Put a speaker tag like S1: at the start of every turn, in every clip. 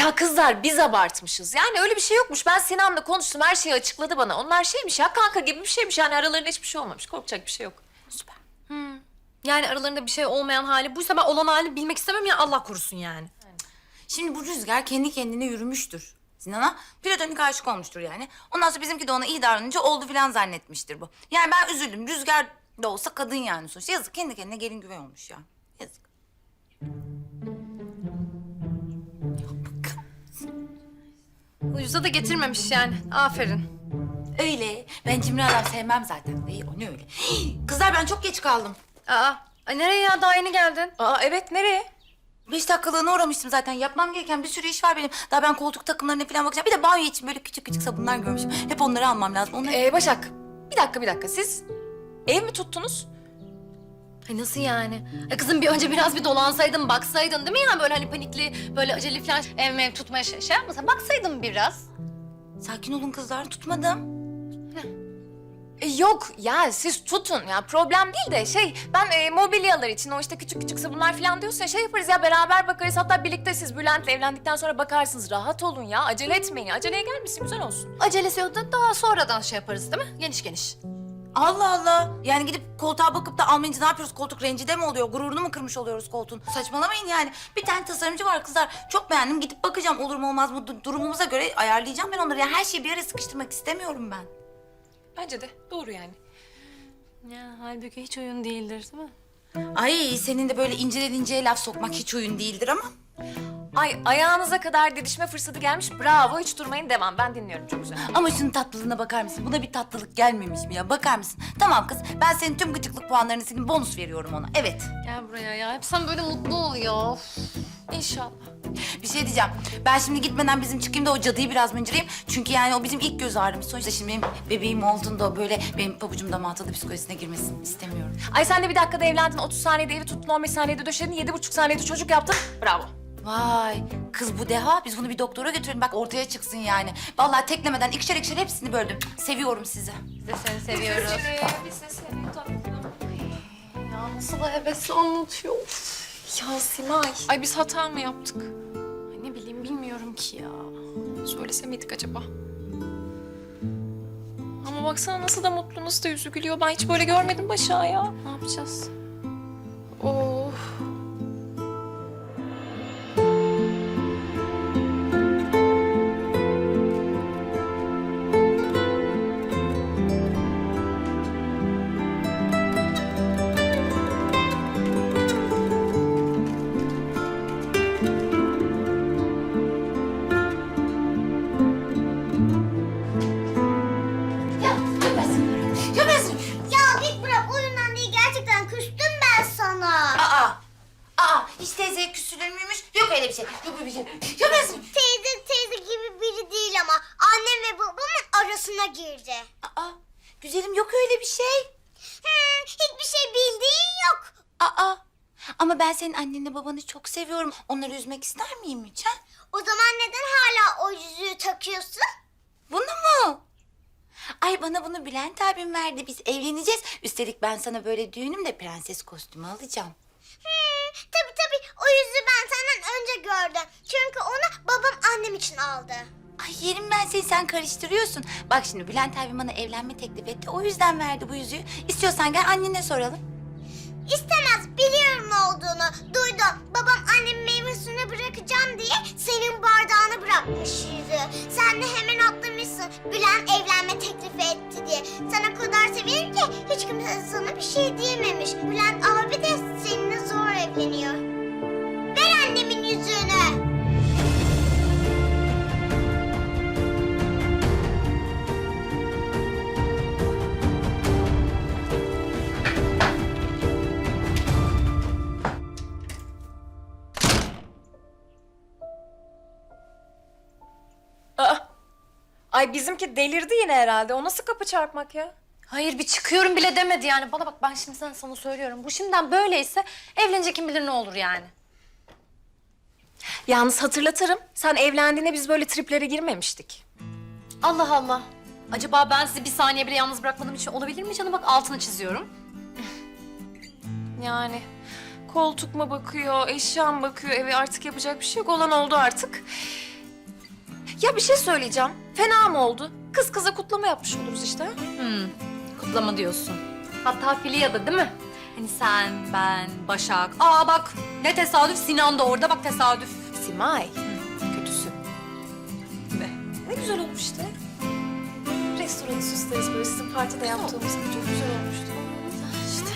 S1: Ya kızlar biz abartmışız. Yani öyle bir şey yokmuş. Ben Sinan'la konuştum. Her şeyi açıkladı bana. Onlar şeymiş ya kanka gibi bir şeymiş. Yani aralarında hiçbir şey olmamış. Korkacak bir şey yok.
S2: Süper. Yani aralarında bir şey olmayan hali buysa ben olan halini bilmek istemem ya Allah korusun yani.
S3: Şimdi bu Rüzgar kendi kendine yürümüştür Sinan'a. Platonik aşık olmuştur yani. Ondan sonra bizimki de ona iyi davranınca oldu falan zannetmiştir bu. Yani ben üzüldüm. Rüzgar da olsa kadın yani sonuçta. Yazık, kendi kendine gelin güvey olmuş ya. Yazık.
S2: Ucuza da getirmemiş yani. Aferin.
S3: Öyle. Ben cimri adam sevmem zaten. İyi, o ne öyle. Kızlar ben çok geç kaldım.
S2: Ay nereye ya? Daha yeni geldin.
S1: Aa evet nereye?
S3: 5 dakikalığına uğramıştım zaten. Yapmam gereken bir sürü iş var benim. Daha ben koltuk takımlarına falan bakacağım. Bir de banyo için böyle küçük küçük sabunlar görmüşüm. Hep onları almam lazım. Onları...
S1: Başak bir dakika. Siz ev mi tuttunuz?
S2: Ay nasıl yani? Ay kızım önce biraz bir dolansaydın, baksaydın değil mi ya? Böyle hani panikli, böyle acele falan ev tutmaya şey yapmasan. Baksaydın biraz.
S3: Sakin olun kızlar, tutmadım.
S1: Yok ya siz tutun ya problem değil de ben mobilyalar için o işte küçük küçük sabunlar falan diyorsun ya yaparız ya beraber bakarız hatta birlikte siz Bülent'le evlendikten sonra bakarsınız rahat olun ya acele etmeyin aceleye gelmesin güzel olsun.
S2: Acelesi yok da daha sonradan şey yaparız değil mi? Geniş geniş.
S3: Allah Allah. Yani gidip koltuğa bakıp da almayınca ne yapıyoruz? Koltuk rencide mi oluyor? Gururunu mu kırmış oluyoruz koltuğun? Saçmalamayın yani. Bir tane tasarımcı var kızlar. Çok beğendim. Gidip bakacağım olur mu olmaz mı? Durumumuza göre ayarlayacağım ben onları. Yani her şeyi bir yere sıkıştırmak istemiyorum ben.
S1: Bence de doğru yani.
S2: Ya halbuki hiç oyun değildir değil mi?
S3: Ay senin de böyle inceden inceye laf sokmak hiç oyun değildir ama.
S1: Ay ayağınıza kadar didişme fırsatı gelmiş bravo hiç durmayın devam ben dinliyorum çok güzel.
S3: Ama şunun tatlılığına bakar mısın? Buna bir tatlılık gelmemiş mi ya? Bakar mısın? Tamam kız, ben senin tüm gıcıklık puanlarını silip bonus veriyorum ona. Evet.
S2: Gel buraya ya. Hep sen böyle mutlu ol ya.
S1: İnşallah.
S3: Bir şey diyeceğim. Ben şimdi gitmeden bizim çıkayım da o cadıyı biraz mıncırayım. Çünkü yani o bizim ilk göz ağrımız. Sonuçta şimdi benim bebeğim olduğunda o böyle benim pabucum damatlı psikolojisine girmesini istemiyorum.
S1: Ay sen de bir dakikada evlendin 30 saniyede evi tuttun 15 saniyede döşedin 7,5 saniyede çocuk yaptın bravo.
S3: Vay kız bu deha. Biz bunu bir doktora götürelim bak ortaya çıksın yani. Vallahi teklemeden ikişer ikişer hepsini böldüm. Seviyorum sizi.
S2: Biz de seni seviyoruz.
S1: Biz de seni tatlım.
S2: Ya nasıl da hevesli anlatıyor.
S1: Ya Simay. Ay biz hata mı yaptık?
S2: Ay ne bileyim bilmiyorum ki ya.
S1: Söylese miydik acaba? Ama baksana nasıl da mutlu, nasıl da yüzü gülüyor. Ben hiç böyle görmedim Başak'ı ya.
S2: Ne yapacağız?
S1: Of.
S4: Ya git bırak oyundan değil gerçekten küstüm ben sana.
S3: Hiç teyzeye küsülür müymüş? Yok öyle bir şey. Yok öyle bir şey. Yapıyorsun.
S4: Teyze gibi biri değil ama annem ve babamın arasına girdi.
S3: Güzelim yok öyle bir şey.
S4: Hiçbir şey bildiğin yok.
S3: Ama ben senin annenle babanı çok seviyorum. Onları üzmek ister miyim hiç ha?
S4: O zaman neden hala o yüzüğü takıyorsun?
S3: Bunu mu? Ay bana bunu Bülent abim verdi. Biz evleneceğiz. Üstelik ben sana böyle düğünümde prenses kostümü alacağım.
S4: Tabii o yüzüğü ben senden önce gördüm. Çünkü onu babam annem için aldı.
S3: Ay yerim ben seni, sen karıştırıyorsun. Bak şimdi Bülent abim bana evlenme teklif etti. O yüzden verdi bu yüzüğü. İstiyorsan gel annene soralım.
S4: İstemez biliyorum ne olduğunu. Duydum. Babam annemin meyve suyunu bırakacağım diye senin bardağını bırakmış yüzüğü. Sen de hemen atlamışsın. Bülent evlenme teklifi etti diye. Sen o kadar severim ki hiç kimse sana bir şey diyememiş. Bülent abi de seninle zor evleniyor. Ver annemin yüzüğünü.
S1: Ay bizimki delirdi yine herhalde. O nasıl kapı çarpmak ya?
S2: Hayır bir çıkıyorum bile demedi yani. Bana bak ben şimdi sana söylüyorum. Bu şimdiden böyleyse evlenecek kim bilir ne olur yani.
S1: Yalnız hatırlatırım. Sen evlendiğinde biz böyle triplere girmemiştik.
S2: Allah Allah. Acaba ben sizi bir saniye bile yalnız bırakmadığım için olabilir mi canım? Bak altını çiziyorum.
S1: Yani koltuk mu bakıyor, eşya mı bakıyor eve artık yapacak bir şey yok. Olan oldu artık. Ya bir şey söyleyeceğim. Fena mı oldu? Kız kıza kutlama yapmış oluruz işte.
S2: Kutlama diyorsun. Hatta Filya'da değil mi? Hani sen, ben, Başak. Aa bak ne tesadüf, Sinan da orada, bak tesadüf.
S1: Simay. Kötüsü. Ne güzel olmuş işte. Restoranı süsleriz böyle sizin partide yaptığımız gibi. Çok güzel olmuştu. İşte.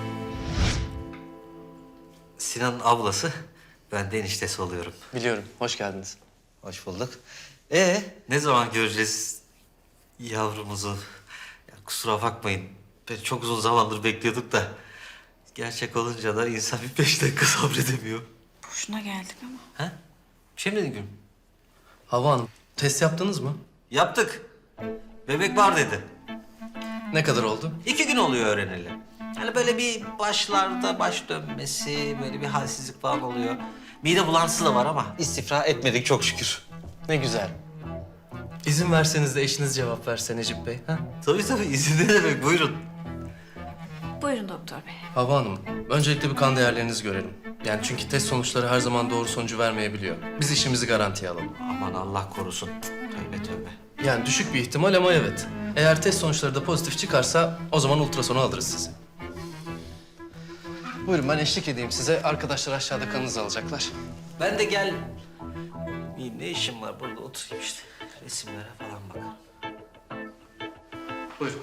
S5: Sinan'ın ablası, ben de eniştesi oluyorum.
S6: Biliyorum. Hoş geldiniz.
S5: Hoş bulduk. Ne zaman göreceğiz yavrumuzu? Ya kusura bakmayın, çok uzun zamandır bekliyorduk da... Gerçek olunca da insan bir 5 dakika sabredemiyor.
S3: Boşuna geldik ama.
S5: Ha? Bir şey mi dedin Gülüm?
S6: Havva Hanım, test yaptınız mı?
S5: Yaptık. Bebek var dedi.
S6: Ne kadar oldu?
S5: 2 gün oluyor öğreneli. Yani böyle bir başlarda baş dönmesi, böyle bir halsizlik falan oluyor. Mide bulantısı da var ama istifra etmedik çok şükür.
S6: Ne güzel. İzin verseniz de eşiniz cevap verse Necip Bey. Ha?
S5: Tabii izin ne demek, buyurun.
S3: Buyurun doktor bey.
S6: Havva Hanım, öncelikle bir kan değerlerinizi görelim. Yani çünkü test sonuçları her zaman doğru sonucu vermeyebiliyor. Biz işimizi garantiye alalım.
S5: Aman Allah korusun. Tövbe tövbe.
S6: Yani düşük bir ihtimal ama evet. Eğer test sonuçları da pozitif çıkarsa o zaman ultrasonu alırız sizi. Buyurun ben eşlik edeyim size. Arkadaşlar aşağıda kanınızı alacaklar.
S5: Ben de gel... Ne işim var burada, oturayım işte. Resimlere falan bakalım.
S6: Buyurun.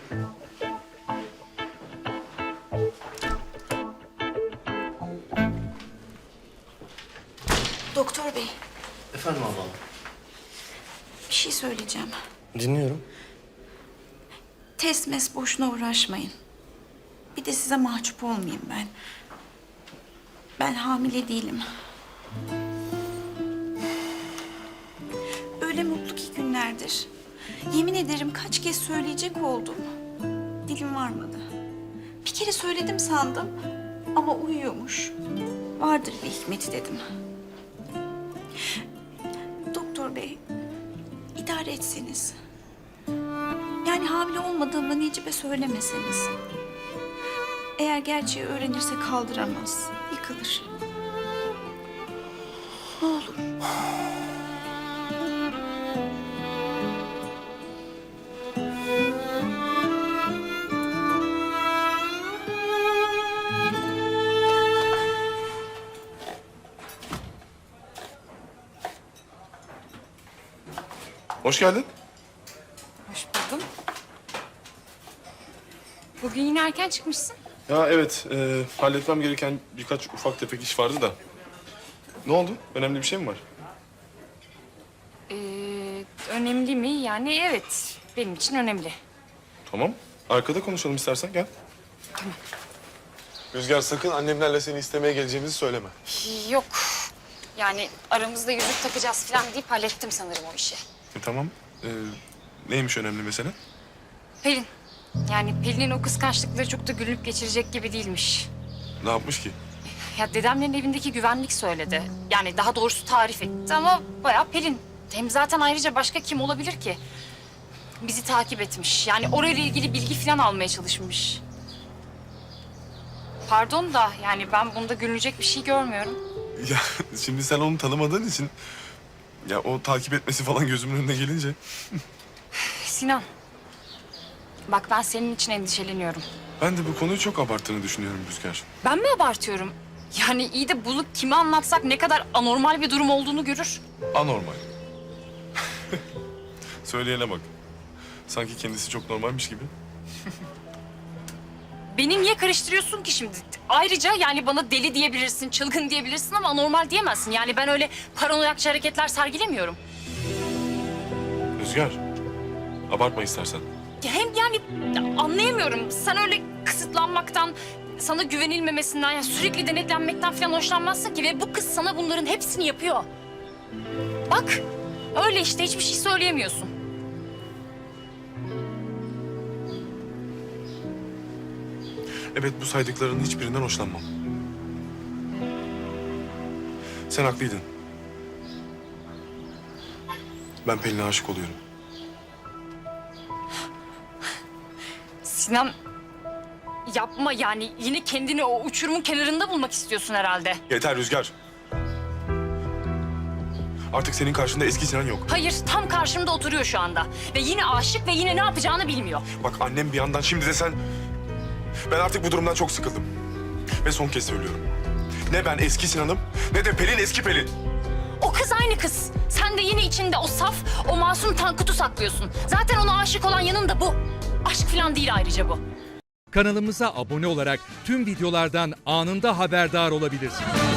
S3: Doktor bey,
S6: Efendim Havva Hanım.
S3: bir şey söyleyeceğim.
S6: Dinliyorum.
S3: Test mes boşuna uğraşmayın. Bir de size mahcup olmayayım ben. Ben hamile değilim. Öyle mutlu ki günlerdir. Yemin ederim kaç kez söyleyecek oldum. Dilim varmadı. Bir kere söyledim sandım ama uyuyormuş. Vardır bir hikmeti dedim. Doktor bey, idare etseniz. Yani hamile olmadığımı Necip'e söylemeseniz. Eğer gerçeği öğrenirse kaldıramaz, yıkılır. Ne olur.
S7: Hoş geldin.
S8: Hoş buldum. Bugün yine erken çıkmışsın.
S7: Ya evet, halletmem gereken birkaç ufak tefek iş vardı da. Ne oldu? Önemli bir şey mi var?
S8: Önemli mi? Yani evet. Benim için önemli.
S7: Tamam. Arkada konuşalım istersen, gel. Rüzgar sakın annemlerle seni istemeye geleceğimizi söyleme.
S8: Yok. Yani aramızda yüzük takacağız falan deyip hallettim sanırım o işi.
S7: Tamam. Neymiş önemli mesele?
S8: Pelin. Yani Pelin'in o kıskançlıkları çok da gülüp geçirecek gibi değilmiş.
S7: Ne yapmış ki?
S8: Ya dedemlerin evindeki güvenlik söyledi. Yani daha doğrusu tarif etti ama bayağı Pelin. Hem zaten ayrıca başka kim olabilir ki? Bizi takip etmiş. Yani orayla ilgili bilgi falan almaya çalışmış. Pardon da yani ben bunda gülünecek bir şey görmüyorum.
S7: Ya şimdi sen onu tanımadığın için... Ya o takip etmesi falan gözümün önüne gelince...
S8: Sinan. Bak ben senin için endişeleniyorum.
S7: Ben de bu konuyu çok abarttığını düşünüyorum Rüzgar.
S8: Ben mi abartıyorum? Yani iyi de bunu kime anlatsak ne kadar anormal bir durum olduğunu görür.
S7: Anormal. Söyleyene bak. Sanki kendisi çok normalmiş gibi.
S8: Beni niye karıştırıyorsun ki şimdi? Ayrıca yani bana deli diyebilirsin, çılgın diyebilirsin ama anormal diyemezsin. Yani ben öyle paranoyakça hareketler sergilemiyorum.
S7: Rüzgar, abartma istersen.
S8: Ya hem yani anlayamıyorum. Sen öyle kısıtlanmaktan, sana güvenilmemesinden, yani sürekli denetlenmekten falan hoşlanmazsın ki. Ve bu kız sana bunların hepsini yapıyor. Bak, öyle işte hiçbir şey söyleyemiyorsun.
S7: Evet, bu saydıklarının hiçbirinden hoşlanmam. Sen haklıydın. Ben Pelin'e aşık oluyorum.
S8: Sinan, yapma yani. Yine kendini o uçurumun kenarında bulmak istiyorsun herhalde.
S7: Yeter Rüzgar. Artık senin karşında eski Sinan yok.
S8: Hayır, tam karşımda oturuyor şu anda. Ve yine aşık ve yine ne yapacağını bilmiyor.
S7: Bak annem bir yandan, şimdi de sen... Ben artık bu durumdan çok sıkıldım. Ve son kez söylüyorum. Ne ben eski Sinan'ım ne de Pelin eski Pelin.
S8: O kız aynı kız. Sen de yine içinde o saf, o masum Tankut'u saklıyorsun. Zaten ona aşık olan yanında bu. Aşk falan değil ayrıca bu.
S9: Kanalımıza abone olarak tüm videolardan anında haberdar olabilirsiniz.